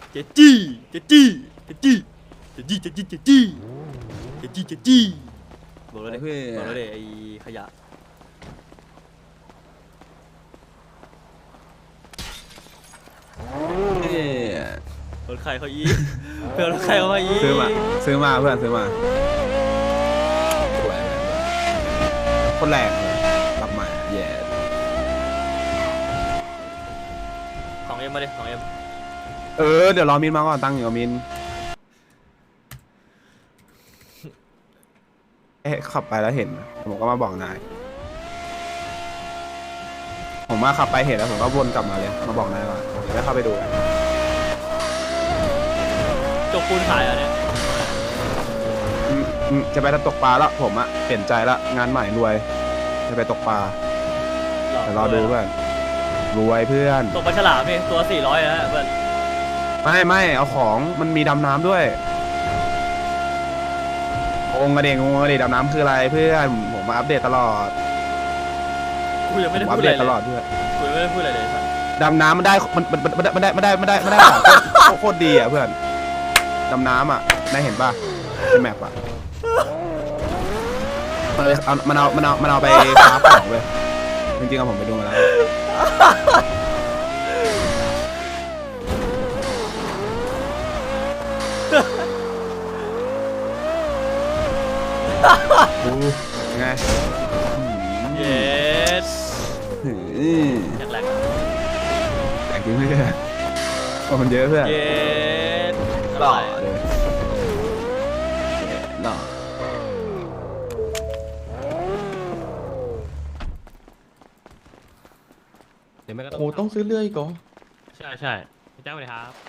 เจจี้เจจี้เจจี้เจจี้เจจี้เจจี้เจจี้เจจี้บอกแล้วเลยบอกแล้วเลยไอ้ขยะรถใครเขาอีเพื่อนรถใครเขาอีซื้อมาเพื่อนซื้อมาสวยคนแรกกลับมาแย่ของเอ็มมาดิของเอ็มเดี๋ยวรอมินมาก่อนตั้งอยู่กับมินขับไปแล้วเห็นผมก็มาบอกนายผมมาขับไปเห็นแล้วผมก็วนกลับมาเลยมาบอกนายว่าเดี๋ยวได้เข้าไปดูกันจกปูนขายอ่ะเนี่ยจะไปตกปลาแล้วผมอะเปลี่ยนใจละงานใหม่รวยจะไปตกปลาแต่รอดูเพื่อนรวยเพื่อนตกปลาฉลามนี่ตัว400นะเพื่อนไม่เอาของมันมีดำน้ำด้วยงกระเดดำน้ำคืออะไรเพื่อนผมมาอัปเดตตลอดกูยังไม่ได้พูดอะไรตลอดเพื่อนกูยังไม่ได้พูดอะไรเลยดำน้ำมันได้โคตรดีอ่ะเพื่อนดำน้ำอ่ะนายเห็นป่ะในแมปอ่ะมันเอาไปคราฟของเลยจริงๆผมไปดูมาแล้วไงเยสแรงแต่งจริงเพื่อนมันเยอะเพื่อนเยสหล่อเลยหล่อโอ้ต้องซื้อเรื่อยก่อนใช่พี่จ้างไปเลยครับ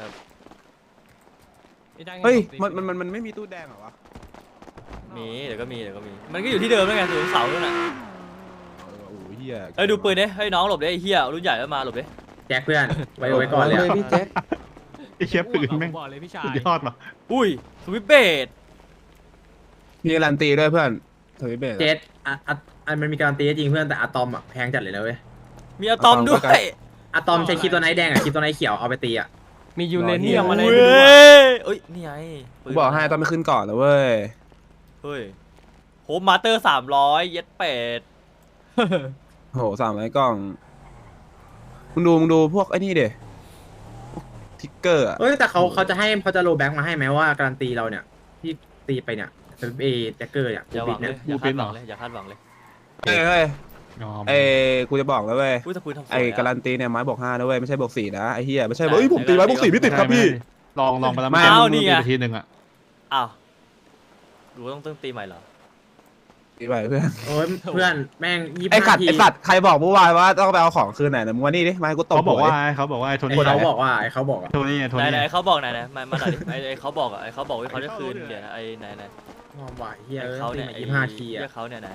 เฮ้ยมันไม่มีตู้แดงเหรอวะมีเดี๋ยวก็มีมันก็อยู่ที่เดิมแล้วไงถึงเสาแล้วน่ะโอ้ยเฮียดูปืนดิให้น้องหลบดิไอ้เฮียรุ่นใหญ่แล้วมาหลบดิแจ็คเพื่อนไว้ก่อนเลยพี่แจ็คไอ้เชฟปืนแม่งบอกเลยพี่ชายยอดว่ะอุ้ยสวิปเบดมีการันตีด้วยเพื่อนสวิปเบดเจ็ดมันมีการันตีจริงเพื่อนแต่อะตอมอะแพงจัดเลยนะเว้ยมีอะตอมด้วยอะตอมใช้คริปโตไนท์แดงอะคริปโตไนท์เขียวเอาไปตีอะมียูเรเนียมอะไรด้วยเอ้ยนี่ไงบอกให้ต้องไปขึ้นก่อนแล้วเว้ยเฮ้ยโฮมมาสเตอร์300เย็ดเป็ดโห300กล่องมึงดูพวกไอ้นี่เดทิกเกอร์อ่ะแต่เขาจะโลแบ็กมาให้ไหมว่าการันตีเราเนี่ยที่ตีไปเนี่ยแจ็คเกอร์เนี่ยอย่าหวังเลยอย่าคาดหวังเลยอย่าคาดหวังเลยเฮ้ยกูจะบอกแล้วเว้ยไอ้การันตีเนี่ยไม้บวก5นะเว้ยไม่ใช่บวก4นะไอ้เหี้ยไม่ใช่ผมตีไม้บวก4ไม่ติดครับพี่ลองไปแล้วไม่ตีไปทีนึงอ่ะอ้าวดูต้องตีใหม่เหรอตีใหม่เพื่อนเพื่อนแม่งไอ้สัตว์ใครบอกเมื่อวานว่าต้องไปเอาของคืนไหนนะมึงว่านี่ดิมาให้กูตบเขาบอกว่าไอ้โทนี่เขาบอกว่าโทนี่ไหนเขาบอกไหนมาหน่อยดิไอ้เขาบอกว่าเขาจะคืนเดี๋ยวนะไอ้ไหนว่าเฮียเขาเนี่ย 25 ทีอะเขาเนี่ยไหน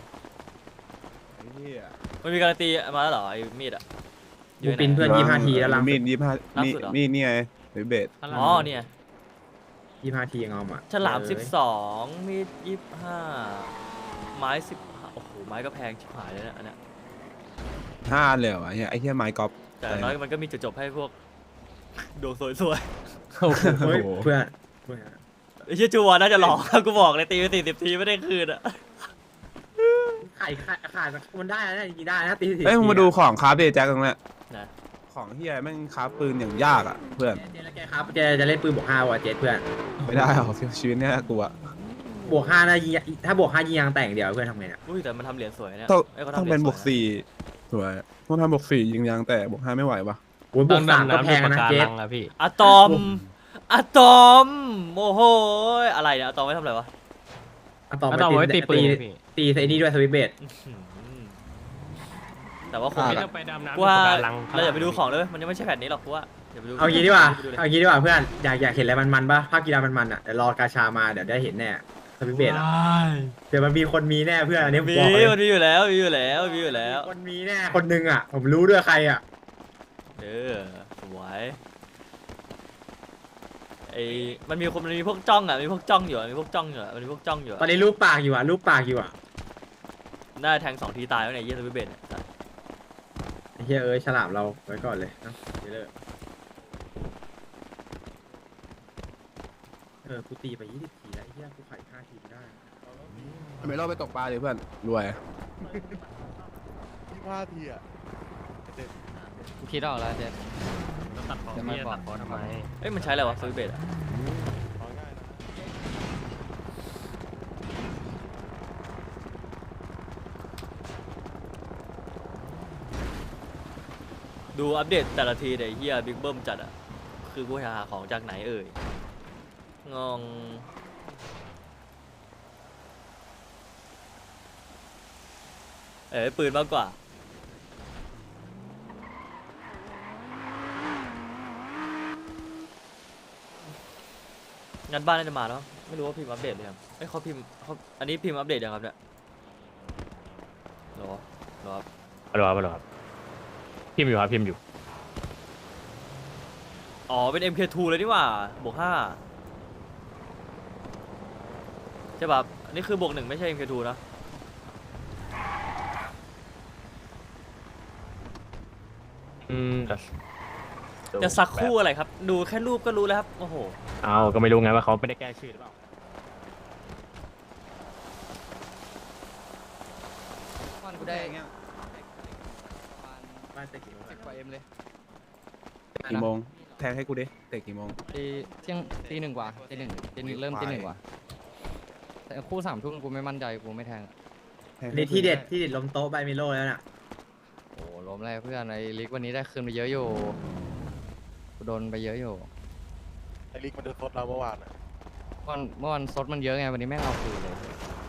มันมีการันตีมาแล้วเหรอไอ้มีดอ่ะบูปินเพื่อน25 ทีแล้วลังมีด25มีดนี่ไงเบสอ๋อเนี่ย 25 ทีงอมอ่ะฉลาม12มีด25ไม้15โอ้โหไม้ก็แพงชิบหายเลยนะอันเนี้ย 5เลยเหรอไอ้เหี้ยไม้กอล์ฟแต่น้อยมันก็มีจุดจบให้พวกดวงสวยๆเพื่อนไอ้เชี่ยจูวอนน่าจะหลอกกูบอกเลยตีไป40 ทีไม่ได้คืนอ่ะขายมันได้นะจริงๆได้นะตี40 เฮ้ยมึงมาดูของคราฟเดแจ็คตรงนี้ของเฮียแม่งคราฟปืนอย่างยากอ่ะเพื่อนแกครับแกจะเล่นปืนบวก5ว่ะเจ็ดเพื่อนไม่ได้หรอกชีวิตเนี้ยกูอะบวก5นะถ้าบวก5ยิงยางแต่งเดียวเพื่อนทำไงเนี่ยอุ้ยแต่มันทำเหรียญสวยเนี่ยต้องเป็นบวก4สวยต้องทำบวก4ยิงยางแต่บวก5ไม่ไหวปะบวก3ก็แพงนะเจ็ดอะตอมโอ้โหอะไรเนี่ยอะตอมไม่ทำอะไรวะอะตอมไม่ตีปืนตีไอ้นี่ด้วยสวิปเบดแต่ว่าคงไม่ต้องไปดำน้ำว่าเราอย่าไปดูของเลยมันยังไม่ใช่แผ่นนี้หรอกเพราะว่าเอางี้ดีกว่าเพื่อนอยากเห็นอะไรมันป่ะภาคกีฬามันอ่ะเดี๋ยวรอกาชามาเดี๋ยวได้เห็นแน่สวิปเบดอ่ะเดี๋ยวมันมีคนมีแน่เพื่อนอันนี้มันมีอยู่แล้วคนมีแน่คนนึงอ่ะผมรู้ด้วยใครอ่ะสวยมันมีพวกจ้องอ่ะมีพวกจ้องอยู่ตอนนี้รูปปากอยู่อ่ะได้แทง2 ทีตายแล้วเนี่ยเยี่ยสวิปเบดเฮ้ยฉลามเราไว้ก่อนเลยนะกูตีไป20 ทีแล้วไอ้เหี้ยกูขาย5 ทีไม่ได้ไม่รอไปตกปลาเลยเพื่อนรวย 25 ทีอ่ะคิดออกแล้วเจ๊จะไม่บอกทำไมเอ้ยมันใช้อะไรวะสวิตช์เบสอะเอาง่ายนะดูอัปเดตแต่ละทีเดี๋ยวเฮียบิ๊กเบิ้มจัดอะคือกูหาของจากไหนเอ่ยงงปืนมากกว่างั้นบ้านน่าจะมาแล้วไม่รู้ว่าพิมพ์อัปเดตหรือยังเอ้ยเขาพิมพ์เขาอันนี้พิมพ์อัปเดตยังครับเนี่ยหรอครับครับพิมพ์อยู่ครับพิมพ์อยู่อ๋อเป็น MK2 เลยนี่หว่าบวก5ใช่ป่ะอันนี้คือบวก1ไม่ใช่ MK2 นะ จะสักคู่อะไรครับ ดูแค่รูปก็รู้แล้วครับโอ้โหเอาก็ไม่รู้ไงว่าเขาไม่ได้แก้ชื่อหรือเปล่าวันกูได้บ้านเตะกี่โมงอะกว่าเอ็มเลยกี่โมงแทงให้กูดิเตะกี่โมงเที่ยงตี 1 กว่าตี 1เริ่มตี 1 กว่าแต่คู่3 ทุ่มกูไม่มั่นใจกูไม่แทงแทงให้นี่ที่เด็ดล้มโต๊ะใบมิโลแล้วน่ะโอ้ล้มเลยเพื่อนไอ้ลิกวันนี้ได้คืนไปเยอะอยู่กูโดนไปเยอะอยู่ไอ้ลิกมันเดินทดเราเมื่อวานอ่ะเมื่อวันซดมันเยอะไงวันนี้แม่งเอาคืนเลย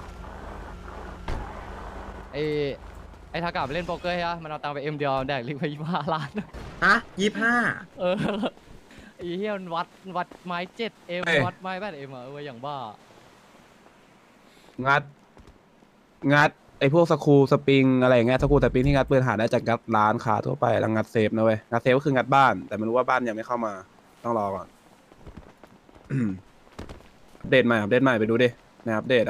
ไอ้ทากาไปเล่นโป๊กเกอร์ใช่ปะมันเอาตังค์ไปเอ็มเดียวแดกลิกไป25 ล้านฮะ25 เออไอ้เหี้ยมันวัดไม้7 เอ็มวัดไม้8 เอ็มอะอย่างบ้างัดไอ้พวกสกรูสปริงอะไรอย่างเงี้ยสกรูสปริงที่งัดปืนหาได้จากงัดร้านค้าทั่วไปแล้วงัดเซฟนะเว้ยงัดเซฟก็คืองัดบ้านแต่ไม่รู้ว่าบ้านยังไม่เข้ามาต้องรอก่อน อัปเดตใหม่ไปดูดิในอัปเดตอะ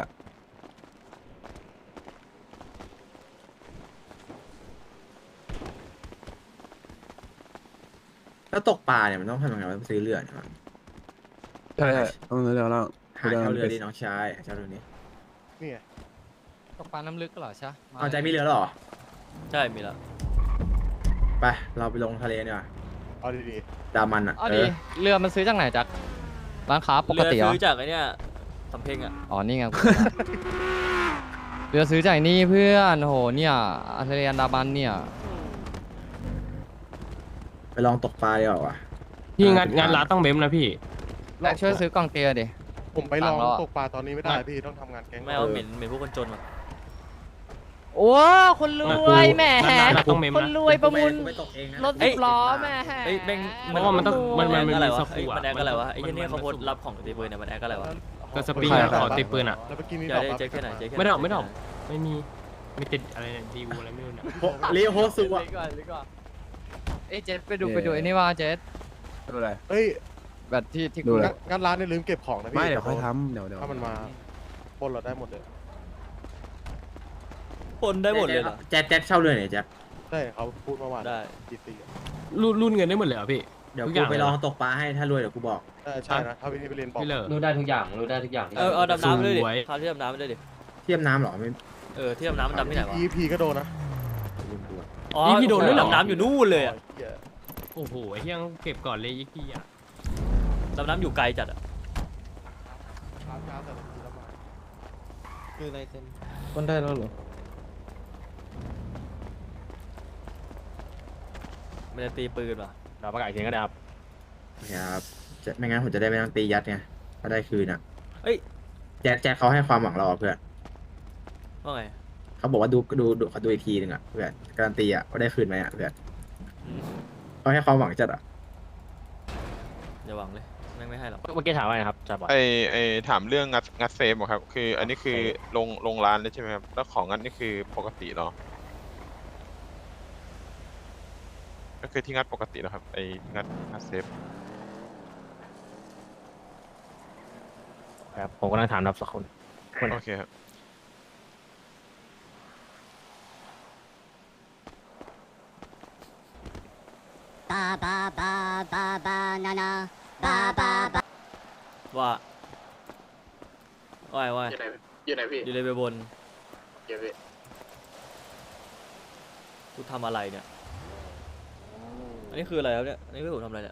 แล้วตกปลาเนี่ยมันต้องทำยังไงวะซื้อเรือเนี่ยใช่ต้องเร็วแล้วหาเช่าเรือดิน้องชายเช่าเรือนี้นี่ไงตกปลาน้ำลึกก็เหรอใช่เอาใจมีเรือแล้วเหรอใช่มีแล้วไปเราไปลงทะเลดีกว่าเอาดีดามันอ่ะเอาดิเรือมันซื้อจากไหนจากร้านค้าปกเรือติเหรอซื้อจากไอ้เนี่ยสำเพ็งอะอ๋อนี่ไงกูเรือซื้อจากนี่เพื่อนโหเนี่ยอัลเทเรียนดาบันเนี่ยไปลองตกปลาดีกว่าพี่งานร้านต้องเบ้มนะพี่แลกช่วยซื้อกล่องเตียดิๆ ผมไปลองต่างแล้วอะตกปลาตอนนี้ไม่ได้พี่ต้องทำงานแก๊งไม่เอาเหม็นพวกคนจนว่ะโอ้คนรวยแหมร้านต้องเบ้มคนนะรวยประมูลไปตกเองนะรถ10 ล้อแหมเอ้ยแม่งเพราะว่ามันต้องมันมีอะไรวะสกรูอะมันแอคอะไรวะไอ้เหี้ยเนี่ยเขาโพสต์รับของตีปืนเนี่ยมันแอคอะไรวะก็สปริงอะขอติดปืนอะแล้วเมื่อกี้นี้อย่าได้เจ๊แค่ไหนเจ๊แค่ไหนไม่ได้ออกไม่มีมีติดอะไรเนี่ยดีวูอะไรไม่รู้เนี่ยลีโฮสุวะเอ้ยเจสไปดูไอ้นี่ว่าเจสดูอะไรเฮ้ยแบบที่ดูกูอะไรงานร้านเนี่ยลืมเก็บของนะพี่ไม่เดี๋ยวค่อยทำเดี๋ยวถ้ามันมาปล้นเราได้หมดเลยคนได้หมดเลยเหรอแจ๊ดเช่าเรือเนี่ยแจ๊ดใช่เขาพูดเมื่อวานได้ตีๆอะรุ่นเงินได้หมดเลยเหรอพี่เดี๋ยวทุกอกูย่างไปเลยเหลรอองตกปลาให้ถ้ารวยเดี๋ยวกูบอกใช่นะถ้าพี่นี่ไปเรียนบอกพี่เลอรู้ได้ทุกอย่างเอาดำน้ำไปด้วยดิสวยพาที่ดำน้ำไปด้วยดิเทียมน้ำเหรอไม่ที่ดำน้ำมันดำที่ไหนวะ EP ก็โดนนะอ๋อนี่พี่โดนด้วยเหรอดำน้ำอยู่นู่นเลยอะเหี้ยโอ้โหไอ้ที่ยังเก็บก่อนเลยอีกทีอะดำน้ำอยู่ไกลจัดอะช้าแต่ละทีละมาคนได้แล้วเหรอมันจะตีปืนว่ะเราประกาศเสียงก็ได้ครับครับไม่งั้นผมจะได้ไม่ต้องตียัดไงถ้าได้คืนอ่ะเอ้ยแจ๊ดเขาให้ความหวังเราอะเพื่อนว่าไงเขาบอกว่าดูอีกทีหนึ่งอ่ะเพื่อนการันตีอ่ะว่าได้คืนไหมอ่ะเพื่อนอืมเขาให้ความหวังจัดอ่ะอย่าหวังเลยแม่งไม่ให้หรอกเมื่อกี้ถามว่าไงนะครับจ่าบอยไอถามเรื่องงัดเซฟอะครับ คืออันนี้คือลงร้านเลยใช่ไหมครับ แล้วของงัดนี่คือปกติเหรอ ก็คือที่งัดปกติเหรอครับ ไองัดเซฟครับผมกำลังถามนับสักคนโอเคครับว่าว่ายว่ายอยู่ไหนพี่อยู่เลยไปบนเดี๋ยวพี่กูทำอะไรเนี่ยอันนี้คืออะไรครับเนี่ยอันนี้คือผมทำอะไรเนี่ย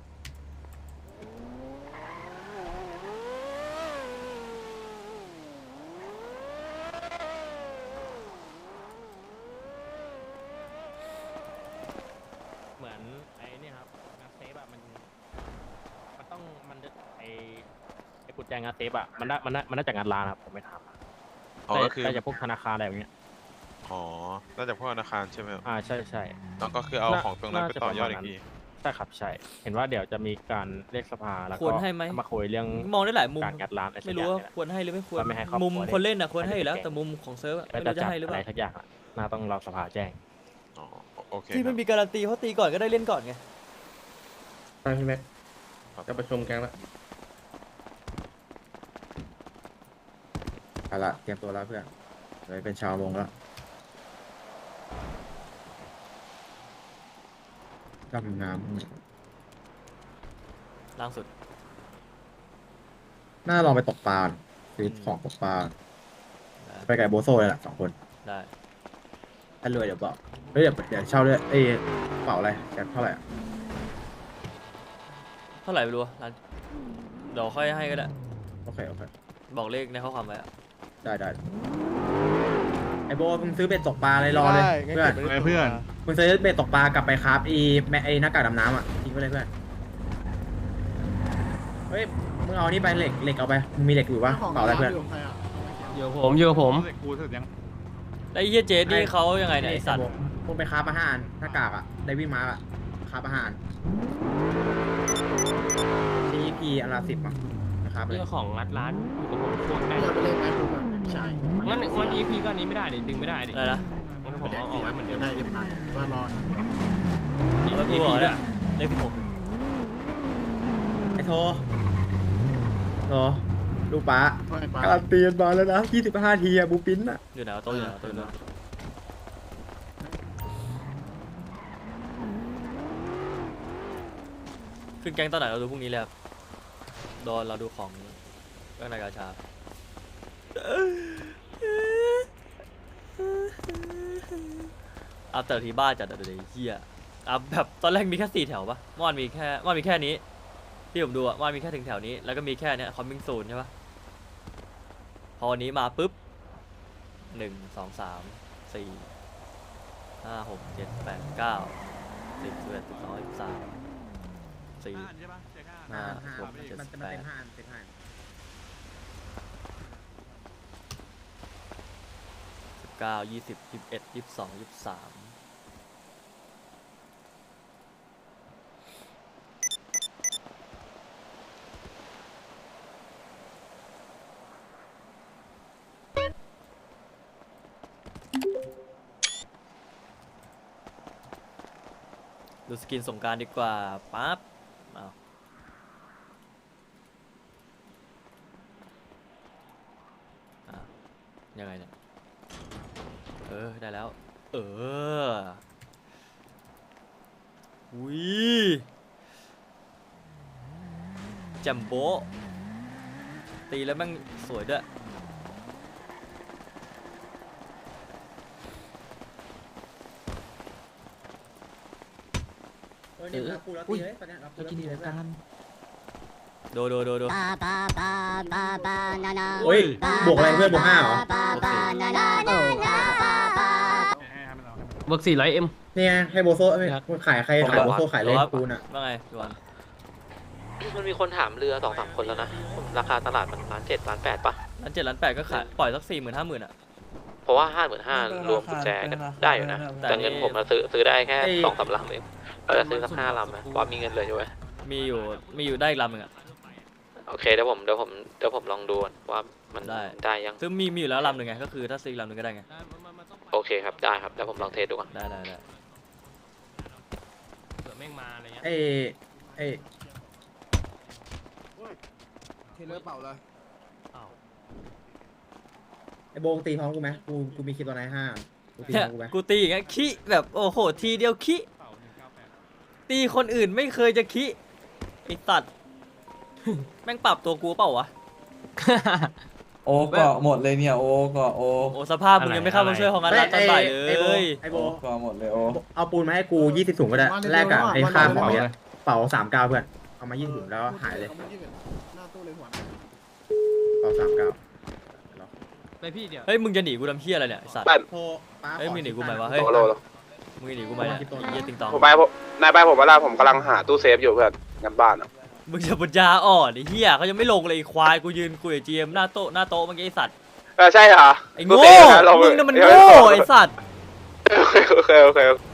เหมือนไอ้นี่ครับงานเซฟอะมันต้องไอ้กุญแจงานเซฟอะมันน่าจะงานร้านครับผมไม่ถามอ๋อก็คือน่าจะพวกธนาคารอะไรอย่างเงี้ยอ๋อน่าจะพวกธนาคารใช่ไหมครับใช่ใช่แล้วก็คือเอาของตรงนั้นไปต่อยอดอีกทีใช่ครับใช่ เห็นว่าเดี๋ยวจะมีการเรียกสภาแล้วคก็วรให้ไหมมาคุยเรื่องมองได้หลายมุมการงัดร้านอะไรสักไม่อรู้ย่างว่าเนี่ยควรให้หรือไม่ควรว่าไม่ให้ครอบครัวมุมเนี่ยคนเล่นนะควรให้อยู่แล้วไม่ได้แต่มุมของเซิร์ฟอะไม่ก็รู้จะจะจัดให้หรืออะเปไรล่าสักอย่างอะน่าต้องรอสภาแจ้งอ๋อโอเคที่คไม่รับมีการันตีเขาตีก่อนก็ได้เล่นก่อนไงไปพี่แม็กจะประชุมกันแล้วเอาละเตรียมตัวแล้วเพื่อนเลยเป็นชาววงแล้วดำน้ล่างสุดำน่าลองไปตกปลาซื้อของตกปลาได้ไปกับไอ้โบโซเลยแหละ2 คนได้ถ้ารวยเดี๋ยวบอกเฮ้ยเดี๋ยวเช่าด้วยกระเป๋าอะไรแกเท่าไหร่อะเท่าไหร่ไม่รู้อะร้านเดี๋ยวค่อยให้ก็ได้โอเคบอกเลขในข้อความไว้อะได้ไอโบมึงซื้อเบ็ดตกปลาเลยรอเลยได้งั้นเพื่อนเก็บไว้ในตู้มามึงซื้อเบ็ดตกปลากลับไปครับไอหน้ากากดำน้ำอ่ะทิ้งไว้เลยเพื่อนเฮ้ยมึงเอานี่ไปเหล็กเอาไปมึงมีเหล็กอยู่ปะกระเป๋าอะไรเพื่อนอยู่ผมแล้วไอ้เฮียเจสนี่เขายังไงเนี่ยไอสัตว์มึงไปคราฟอาหารหน้ากากอ่ะได้วิ่งมาอ่ะคราฟอาหาร CP อันละ10อ่ะนะครับเลยเรื่องของงัดร้านอยู่กับผมโคตรได้จะไปเล่นไหมคุณใช่งั้นEP ก็อันนี้ไม่ได้ดิดึงไม่ได้ดิอะไรนะงั้นผมเอาไว้เหมือนเดิมได้เรียบร้อยว่ารอเอาไว้กูบอกเนี่ยเลข16 ไอโทลูกป้าค่อยไปการันตีกันมาแล้วนะ25 ทีอะบูปินอะอยู่ไหนวะโต๊ะอยู่ไหนวะโต๊ะอยู่ไหนวะขึ้นแก๊งตอนไหนเราดูพรุ่งนี้เลยครับโดนเราดูของเรื่องนายกาชาอัพแต่ละทีบ้าจัดอะเดี๋ยวเฮียอัพแบบตอนแรกมีแค่4 แถวปะเมื่อวานมีแค่นี้ที่ผมดูอะเมื่อวานมีแค่ถึงแถวนี้แล้วก็มีแค่เนี้ยคอมมิ่งซูนใช่ปะพอวันนี้มาปุ๊บ1 2 3 4 5 6 7 8 9 10 11 12 13 4 5 6 7 มัน 8 เต็ม5 อันเต็ม5 19 20 21 22 23ดูสกินสงกรารดีกว่าปั๊บเอาอ่ะยังไงเนี่ยได้แล้ววิจัมโบ้ตีแล้วแม่งสวยด้วยนี่เราคูแล้วตีเลยตอนเนี้ยเราคูแล้วตีเลยเพื่อนดูโอ้ยบวกอะไรเพื่อนบวก5เหรอเบิก400M เนี่ยให้โบโซ่ขายใครขายโบโซ่ขายเลยคูณอ่ะว่าไงพี่วันมันมีคนถามเรือ2-3 คนแล้วนะราคาตลาดมัน1.7 1.8 ป่ะร้าน7 ล้าน 8ก็ขายปล่อยสัก 40,000 50,000อ่ะเพราะว่า 55,000 รวมกุญแจกันได้อยู่นะ แต่เงินผมเราซื้อได้แค่ 2-3 ลำเองเราจะซื้อสัก5 ลำนะว่ามีเงินเลยใช่ไหมมีอยู่ได้อีกลำหนึ่งอ่ะโอเคเดี๋ยวผมลองดูก่อนว่ามันได้ได้ยังซึ่งมีอยู่แล้วลำหนึ่งไงก็คือถ้าซื้ออีกลำหนึ่งก็ได้ไงโอเคครับได้ครับเดี๋ยวผมลองเทสดูก่อนได้เผื่อแม่งมาอะไรเงี้ยเอ้เทเลอร์เปล่าเลยไอโบงตีพร้อมกูไหมกูมีคลิปตัวไหน5กูตีพเนี่ยร้อมกูไหมกูตีอย่างเงี้ยขี้แบบโอ้โหทีเดียวขี้ตีคนอื่นไม่เคยจะขี้ไอสัตว์ แม่งปรับตัวกูเปล่าวะโอ้ก็หมดเลยเนี่ยโอ้ก็โอ้โอ้สภาพมึงยังไม่เข้ามาช่วยของงานร้านตอนบ่ายเลยไอ้โบก็หมดเลยโอ้เอาปูนมาให้กู20ถุงก็ได้แลกกับไอ้ค่าของเนี่ยเป่า39เพื่อนเอามา20ถุงแล้วหายเลยหน้าตู้เลยหัวเป่า39 ไปพี่เดี๋ยวเฮ้ยมึงจะหนีกูทำเหี้ยอะไรเนี่ยไอ้สัตว์โทรป้าเฮ้ยมึงหนีกูไหมวะเฮ้ยโลมึงหนีกูไหมเนี่ยไอ้เหี้ยติงตองผมไปผมนายไปผมเวลาผมกำลังหาตู้เซฟอยู่เพื่อนงานบ้านอ่ะมึงจะปัญญาอ่อนไอ้เหี้ยเขายังไม่ลงเลยไอ้ควายกูยืนคุยกับเจมหน้าโต๊ะเมื่อกี้ไอ้สัตว์ใช่เหรอไอ้โง่มึงน่ะมันโง่ไอ้สัตว์โอเค